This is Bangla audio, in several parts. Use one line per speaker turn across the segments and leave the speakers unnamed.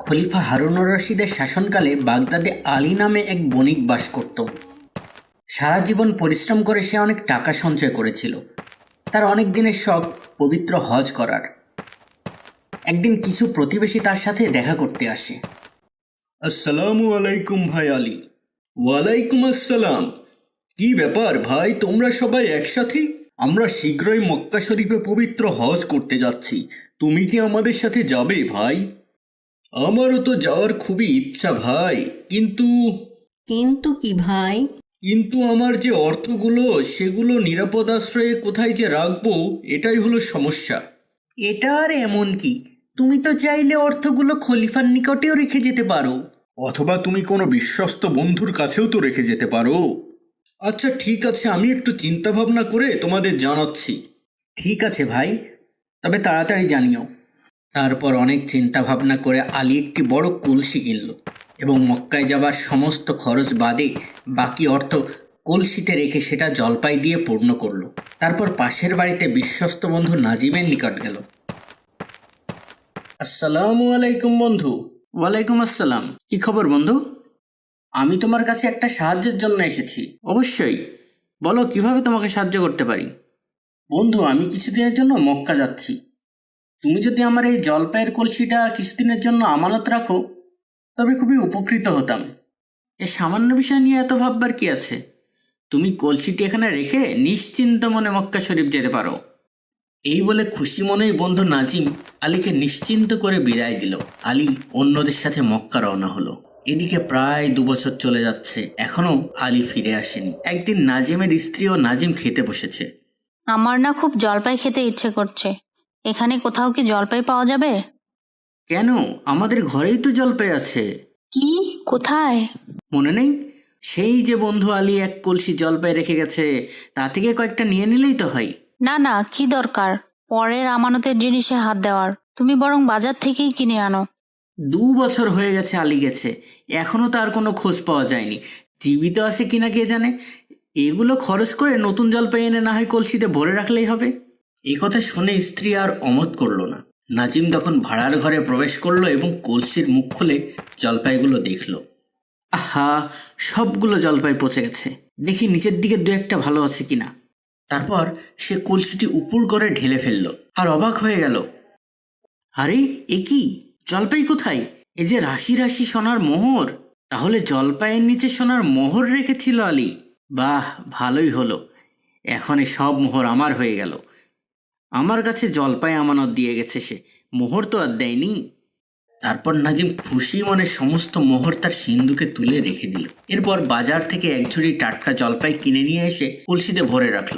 খলিফা হারুনুর রশিদের শাসনকালে বাগদাদে আলী নামে এক বণিক বাস করত। সারা জীবন পরিশ্রম করে সে অনেক টাকা সঞ্চয় করেছিল। তার অনেক দিনের শখ পবিত্র হজ করার। একদিন কিছু প্রতিবেশী তার সাথে দেখা করতে আসে। আসসালামু আলাইকুম ভাই আলী। ওয়ালাইকুম আসসালাম। কি ব্যাপার ভাই, তোমরা সবাই একসাথে? আমরা শীঘ্রই মক্কা শরীফে পবিত্র হজ করতে যাচ্ছি। তুমি কি আমাদের সাথে যাবে ভাই? আমারও তো যাওয়ার খুবই ইচ্ছা ভাই, কিন্তু
কিন্তু কি ভাই?
কিন্তু আমার যে অর্থগুলো সেগুলো নিরাপদ আশ্রয়ে কোথায় যে রাখবো, এটাই হলো সমস্যা। এটা আর এমন কি, তুমি তো চাইলে অর্থগুলো খলিফার নিকটেও রেখে যেতে পারো, অথবা তুমি কোনো বিশ্বস্ত বন্ধুর কাছেও তো রেখে যেতে পারো। আচ্ছা ঠিক আছে, আমি একটু চিন্তা ভাবনা করে তোমাদের জানাচ্ছি। ঠিক আছে ভাই, তবে তাড়াতাড়ি জানিও। তারপর অনেক চিন্তা ভাবনা করে আলী একটি বড় কলসি কিনল এবং মক্কায় যাবার সমস্ত খরচ বাদে বাকি অর্থ কলসিতে রেখে সেটা জলপাই দিয়ে পূর্ণ করলো। তারপর পাশের বাড়িতে বিশ্বস্ত বন্ধু নাজিমের নিকট গেল। আসসালামু আলাইকুম বন্ধু। ওয়ালাইকুম আসসালাম। কি খবর বন্ধু? আমি তোমার কাছে একটা সাহায্যের জন্য এসেছি। অবশ্যই, বলো কিভাবে তোমাকে সাহায্য করতে পারি। বন্ধু, আমি কিছুদিনের জন্য মক্কা যাচ্ছি। তুমি যদি আমার এই জলপাইয়ের কলসিটা কিছুদিনের জন্য আমানত রাখো তবে খুবই উপকৃত হতাম। এ সামান্য বিষয় নিয়ে এত ভাববার কি আছে? তুমি কলসিটি এখানে রেখে নিশ্চিন্ত মনে মক্কা শরীফ যেতে পারো। এই বলে খুশি মনেই বন্ধু নাজিম আলীকে নিশ্চিন্ত করে বিদায় দিল। আলী অন্যদের সাথে মক্কা রওনা হলো। এদিকে প্রায় 2 বছর চলে যাচ্ছে, এখনো আলী ফিরে আসেনি। একদিন নাজিমের স্ত্রী ও নাজিম খেতে বসেছে।
আমার না খুব জলপাই খেতে ইচ্ছে করছে। এখানে কোথাও কি জলপাই পাওয়া যাবে?
কেন, আমাদের ঘরেই তো জলপাই আছে।
কি? কোথায়?
মনে নেই? সেই যে বন্ধু আলী এক কলসি জলপাই রেখে গেছে, তা থেকে কয়েকটা নিয়ে নিলেই তো হয়।
না না, কি দরকার পরের আমানতের জিনিসে হাত দেওয়ার? তুমি বরং বাজার থেকেই কিনে আনো।
2 বছর হয়ে গেছে আলী গেছে, এখনো তার কোনো খোঁজ পাওয়া যায়নি। জীবিত আছে কিনা কে জানে। এগুলো খরচ করে নতুন জলপাই এনে না হয় কলসিতে ভরে রাখলেই হবে। এই কথা শুনে স্ত্রী আর অমত করল না। নাজিম তখন ভাড়ার ঘরে প্রবেশ করলো এবং কলসির মুখ খুলে জলপাইগুলো দেখলো। আহা, সবগুলো জলপাই পচে গেছে। দেখি নিচের দিকে 2-1টা ভালো আছে কিনা। তারপর সে কলসিটি উপর করে ঢেলে ফেললো আর অবাক হয়ে গেল। আরে এ কি, জলপাই কোথায়? এ যে রাশি রাশি সোনার মোহর। তাহলে জলপাইয়ের নিচে সোনার মোহর রেখেছিল আলী। বাহ, ভালোই হলো, এখন এ সব মোহর আমার হয়ে গেল। আমার কাছে জলপাই আমানত দিয়ে গেছে সে, মোহর তো আর দেয়নি। তারপর নাজিম খুশি মনে সমস্ত মোহর তার সিন্ধুকে তুলে রেখে দিল। এরপর বাজার থেকে 1 ঝুড়ি টাটকা জলপাই কিনে নিয়ে এসে কলসিতে ভরে রাখলো।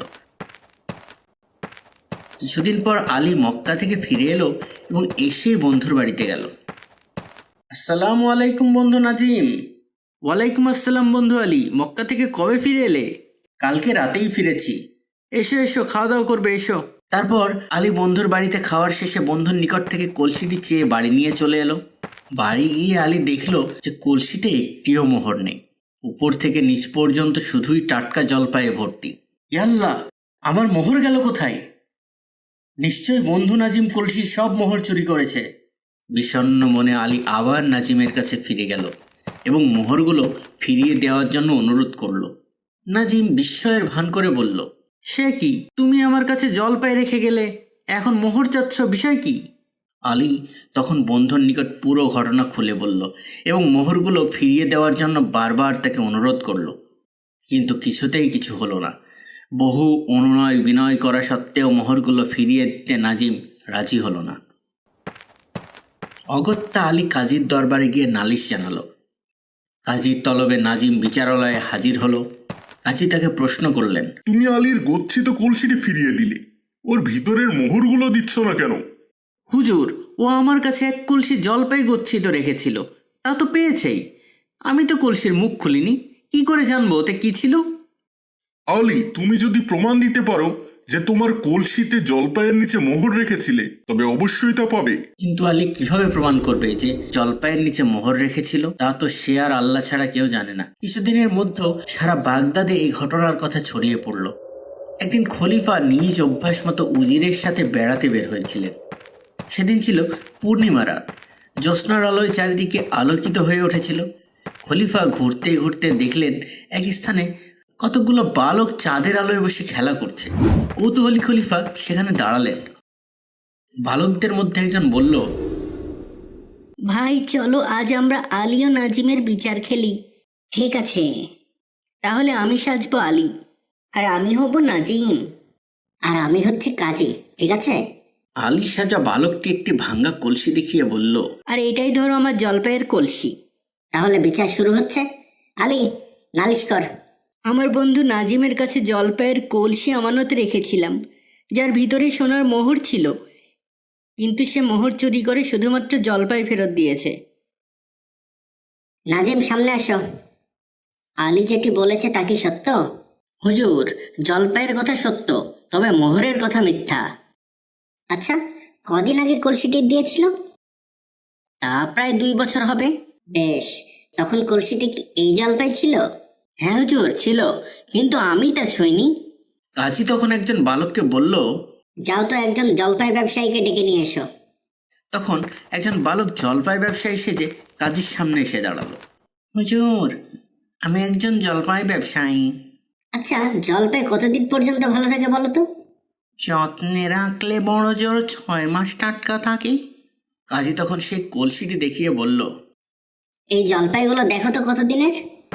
কিছুদিন পর আলী মক্কা থেকে ফিরে এলো এবং এসে বন্ধুর বাড়িতে গেল। আসসালামু আলাইকুম বন্ধু নাজিম। ওয়ালাইকুম আসসালাম বন্ধু আলী। মক্কা থেকে কবে ফিরে এলে? কালকে রাতেই ফিরেছি। এসো এসো, খাওয়া দাওয়া করবে, এসো। তারপর আলী বন্ধুর বাড়িতে খাওয়ার শেষে বন্ধুর নিকট থেকে কলসিটি চেয়ে বাড়ি নিয়ে চলে এলো। বাড়ি গিয়ে আলী দেখলো যে কলসিতে একটিও মোহর নেই। উপর থেকে নিচ পর্যন্ত শুধুই টাটকা জলপাইয়ে ভর্তি। ইয়াল্লাহ, আমার মোহর গেল কোথায়? নিশ্চয় বন্ধু নাজিম কলসির সব মোহর চুরি করেছে। বিষণ্ণ মনে আলী আবার নাজিমের কাছে ফিরে গেল এবং মোহরগুলো ফিরিয়ে দেওয়ার জন্য অনুরোধ করল। নাজিম বিস্ময়ের ভান করে বলল, সে কি, তুমি আমার কাছে জলপাই রেখে গেলে, এখন মোহর চাচ্ছ, বিষয় কি? আলী তখন বন্ধুর নিকট পুরো ঘটনা খুলে বলল এবং মোহরগুলো ফিরিয়ে দেওয়ার জন্য বারবার তাকে অনুরোধ করল। কিন্তু কিছুতেই কিছু হলো না। বহু অনুনয় বিনয় করা সত্ত্বেও মোহরগুলো ফিরিয়ে দিতে নাজিম রাজি হলো না। অগত্যা আলী কাজীর দরবারে গিয়ে নালিশ জানালো। কাজীর তলবে নাজিম বিচারালয়ে হাজির হলো। কাজী তাকে প্রশ্ন করলেন,
তুমি আলীর গচ্ছিত কলসিটি ফিরিয়ে দিলে, ওর ভিতরের মোহরগুলো দিচ্ছ না কেন?
হুজুর, ও আমার কাছে 1 কলসি জলপাই গচ্ছিত রেখেছিল, তা তো পেয়েছেই। আমি তো কলসির মুখ খুলিনি, কি করে জানবো ওতে কি ছিল?
আলী, তুমি যদি প্রমাণ দিতে পারো যে তোমার কলসিতে জলপাইয়ের নিচে মোহর রেখেছিলে, তবে অবশ্যই তা পাবে।
কিন্তু আলী কিভাবে প্রমাণ করবে যে জলপাইয়ের নিচে মোহর রেখেছিল? তা তো সে আর আল্লাহ ছাড়া কেউ জানে না। কিছুদিনের মধ্যে সারা বাগদাদে এই ঘটনার কথা ছড়িয়ে পড়ল। একদিন খলিফা নিজ অভ্যাস মতো উজিরের সাথে বেড়াতে বের হয়েছিলেন। সেদিন ছিল পূর্ণিমা রাত। জ্যোৎস্নার আলোয় চারিদিকে আলোকিত হয়ে উঠেছিল। খলিফা ঘুরতে ঘুরতে দেখলেন এক স্থানে কতগুলো বালক চাঁদের আলোয় বসে খেলা করছে। কৌতূহলী খলিফা সেখানে দাঁড়ালেন। বালকদের মধ্যে একজন বলল,
ভাই চলো আজ আমরা আলী ও নাজিমের বিচার খেলি। ঠিক আছে, তাহলে আমি সাজবো আলী, আর আমি হব নাজিম, আর আমি হচ্ছে কাজী। ঠিক আছে?
আলী সাজা বালকটি একটি ভাঙ্গা কলসি দেখিয়ে বলল,
আর এটাই ধরো আমার জলপাইয়ের কলসি।
তাহলে বিচার শুরু হচ্ছে। আলী, নালিশ কর।
আমার বন্ধু নাজিমের কাছে জলপাইয়ের কলসি আমানত রেখেছিলাম, যার ভিতরে সোনার মোহর ছিল, কিন্তু সে মোহর চুরি করে শুধুমাত্র জলপাই ফেরত দিয়েছে।
নাজিম, সামনে আসো। আলী যেটি বলেছে তা কি সত্য?
হুজুর, জলপাইয়ের কথা সত্য, তবে মোহরের কথা মিথ্যা।
আচ্ছা, কদিন আগে কলসিটি দিয়েছিল?
তা প্রায় 2 বছর হবে।
বেশ, তখন কলসিটি কি এই জলপাই ছিল?
হ্যাঁ হুজুর, ছিল, কিন্তু আমি তা ছুঁইনি।
কাজী তখন একজন বালককে বলল।
যাও তো একজন জলপাই ব্যবসায়ীকে ডেকে নিয়ে এসো।
তখন একজন বালক জলপাই ব্যবসায়ী সেজে কাজীর সামনে এসে দাঁড়ালো। হুজুর, আমি একজন জলপাই ব্যবসায়ী।
আচ্ছা, জলপাই কতদিন পর্যন্ত ভালো থাকে বলো তো?
যত্নে রাখলে বড় জোর 6 মাস টাটকা থাকে। কাজী তখন সেই কলসিটি দেখিয়ে বলল।
এই জলপাইগুলো দেখো তো কতদিনের।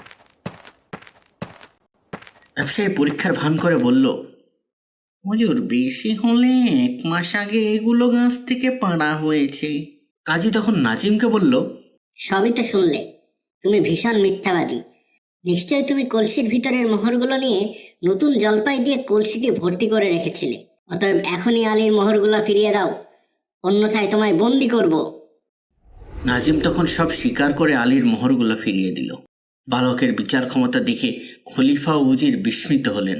ব্যবসায়ী পরীক্ষার ভান করে বলল, হুজুর, বেশি হলে 1 মাস আগে এগুলো গাছ থেকে পাড়া হয়েছে। কাজী তখন নাজিমকে বলল,
সবই তো শুনলে, তুমি ভীষণ মিথ্যাবাদী। নিশ্চয়ই তুমি কলসির ভিতরের মোহরগুলো নিয়ে নতুন জলপাই দিয়ে কলসিটি ভর্তি করে রেখেছিলে। অতএব এখনই আলীর মোহরগুলো ফিরিয়ে দাও, অন্যথায় তোমায় বন্দি করব।
নাজিম তখন সব স্বীকার করে আলীর মোহরগুলো ফিরিয়ে দিল। বালকের বিচার ক্ষমতা দেখে খলিফা ও উজির বিস্মিত হলেন।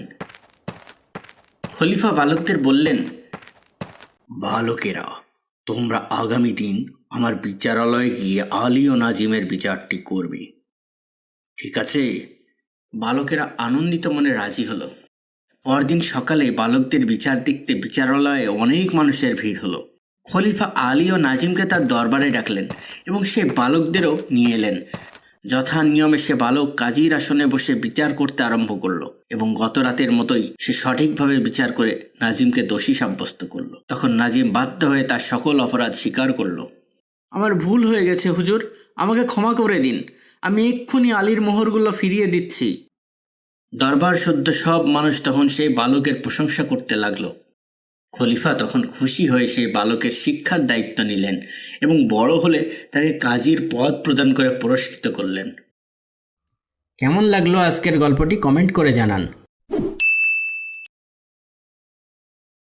খলিফা বালকদের বললেন, বালকেরা, তোমরা আগামী দিন আমার বিচারালয়ে গিয়ে আলী ও নাজিমের বিচারটি করবে। ঠিক আছে? বালকেরা আনন্দিত মনে রাজি হলো। পরদিন সকালে বালকদের বিচার দেখতে বিচারালয়ে অনেক মানুষের ভিড় হলো। খলিফা আলী ও নাজিমকে তার দরবারে ডাকলেন এবং সে বালকদেরও নিয়ে এলেন। যথা নিয়মে সে বালক কাজীর আসনে বসে বিচার করতে আরম্ভ করলো এবং গত রাতের মতোই সে সঠিকভাবে বিচার করে নাজিমকে দোষী সাব্যস্ত করলো। তখন নাজিম বাধ্য হয়ে তার সকল অপরাধ স্বীকার করলো। আমার ভুল হয়ে গেছে হুজুর, আমাকে ক্ষমা করে দিন, আমি এক্ষুনি আলীর মোহরগুলো ফিরিয়ে দিচ্ছি। দরবার সদ্য সব মানুষ তখন সেই বালকের প্রশংসা করতে লাগলো। খলিফা তখন খুশি হয়ে সেই বালকের শিক্ষার দায়িত্ব নিলেন এবং বড় হলে তাকে কাজীর পদ প্রদান করে পুরস্কৃত করলেন। কেমন লাগলো আজকের গল্পটি কমেন্ট করে জানান।